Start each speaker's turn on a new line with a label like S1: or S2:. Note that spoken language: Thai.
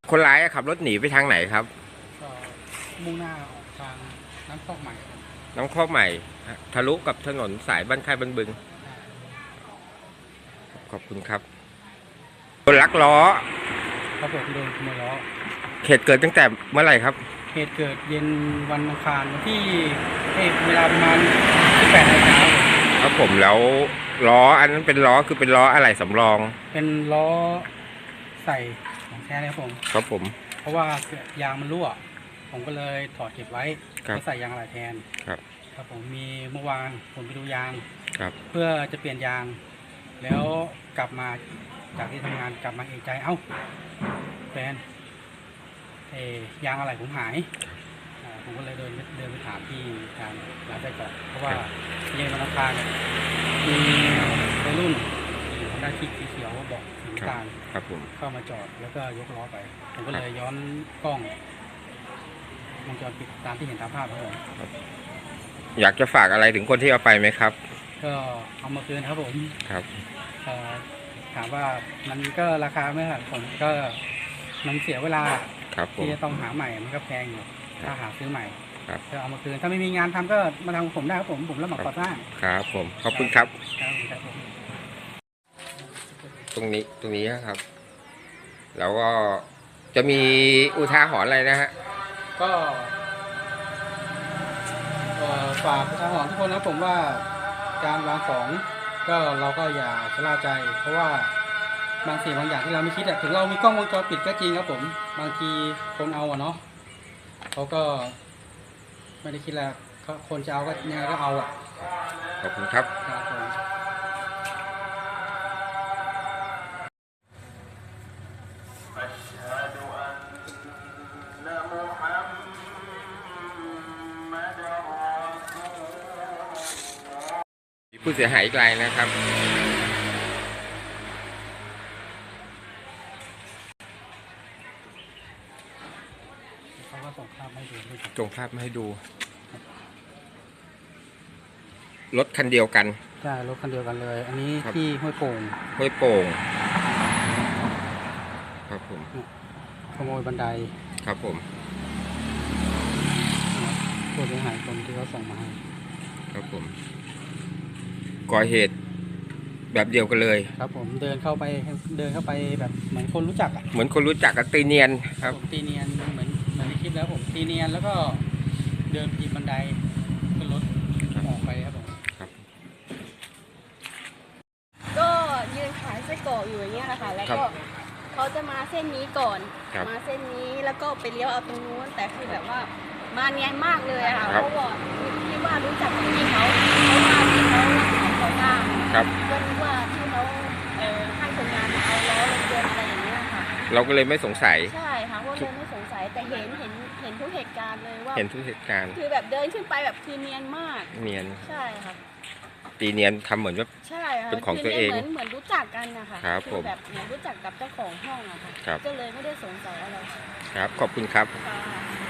S1: คนร้ายขับรถหนีไปทางไหนครับ
S2: ก็มุ่งหน้าออกทางน้ำตกใหม่
S1: น้ำคอกใหม่ทะลุกับถนนสายบ้านค่ายบ้านบึงขอบคุณครับคนลักล้อ
S2: ครับผมโดนขโมยล้อ
S1: เหตุเกิดตั้งแต่เมื่อไหร่ครับ
S2: เหตุเกิดเย็นวันอังคารที่เวลาประมาณ18 นาฬิกา
S1: ครับผมแล้วล้ออันนั้นเป็นล้อคือเป็นล้ออะไรสำรอง
S2: เป็นล้อใส่ของแท้เลย
S1: ครับผม
S2: เพราะว่ายางมันรั่วผมก็เลยถอดเก็บไว้ก็ใส่ยางอะไหล่แทนครับผมมีเมื่อวานผมไปดูยางเพื่อจะเปลี่ยนยางแล้วกลับมาจากที่ทำงานกลับมาเอกใจเอ้าแฟนยางอะไหล่ผมหายผมก็เลยเดินไปถามที่ทางร้านไส้กรอกเพราะว่าเย็นวันอังคารมีวัยรุ่นได้ที่สีเขียวบอกสีน้ำตาลเข้ามาจอดแล้วก็ยกล้อไปผมก็เลยย้อนกล้องวงจรปิดตามที่เห็นตามภาพครับ
S1: อยากจะฝากอะไรถึงคนที่เอาไปไหมครับ
S2: ก็เอามาคืนครับผม
S1: ครับ
S2: ถามว่ามันก็ราคาไม่ครับผมก็มันเสียเวลาที่จะต้องหาใหม่มันก็แพงอยู่ถ้าหาซื้อใหม่ก็เอามาคืนถ้าไม่มีงานทำก็มาทำผมได้ครับผมรับเหมาก่อสร้าง
S1: ครับผมขอบคุณครับตรงนี้ครับแล้วก็จะมีอุทาหรณ์อะไรนะฮะ
S2: ก็ฝากอุทาหรณ์ทุกคนนะผมว่าการวางของก็เราก็อย่าชะล่าใจเพราะว่าบางสิ่งบางอย่างที่เราไม่คิดถึงเรามีกล้องวงจรปิดก็จริงครับผมบางทีคนเอาเนาะเขาก็ไม่ได้คิดแล้วคนจะเอาก็ยังไงก็เอา
S1: ขอบคุณครับผู้เสียหายอีกรายนะครับ
S2: เขาก็ส่งภาพมา
S1: ให้ดูรถคันเดียวกัน
S2: ใช่รถคันเดียวกันเลยอันนี้ที่ห้วยโป่ง
S1: ครับผม
S2: ขโมยบันได
S1: ครับผม
S2: ผู้เสียหายคนที่เขาส่งมาให้
S1: ครับผมก่อเหตุแบบเดียวกันเลย
S2: ครับผมเดินเข้าไปแบบเหมือนคนรู้จัก
S1: เหมือนคนรู้จักกับตีเนียนครับ
S2: ตีเนียนเหมือนในคลิปแล้วผมตีเนียนแล้วก็เดินปีนบันไดขึ้นรถออกไปครับผม
S3: ก็ยืนขายไส้กรอกอยู่อย่างเงี้ยนะคะแล้วก็เขาจะมาเส้นนี้ก่อนมาเส้นนี้แล้วก็ไปเลี้ยวเอาตรงนู้นแต่คือแบบว่ามาเนียนมากเลยค่ะเพราะว่าที่ว่ารู้จักกับพี่เขาว่าพี่เขาก่อสร้างก็นึกว่าที่เขาให้คนงานมาเอาล้อรถยนต์อะไรอย่างเงี้ยค่ะ
S1: เราก็เลยไม่สงสัย
S3: ใช่ค่ะก็เลยไม่สงสัยแต่เห็นทุกเหตุการณ์เลยว่า
S1: เห็นทุกเหตุการณ์
S3: คือแบบเดินขึ้นไปแบบคือเนียนมาก
S1: เนียน
S3: ใช่ค่ะ
S1: ตีเนียนทำเหมือนว่าเป็นของตัวเอง
S3: เหมือนรู้จักกันนะคะ
S1: คือ
S3: แบบเหมือนรู้จักกับเจ้าของห้องอะค่ะก็เลยไม่ได้สงสัยอะไร
S1: ครับขอบคุณครับ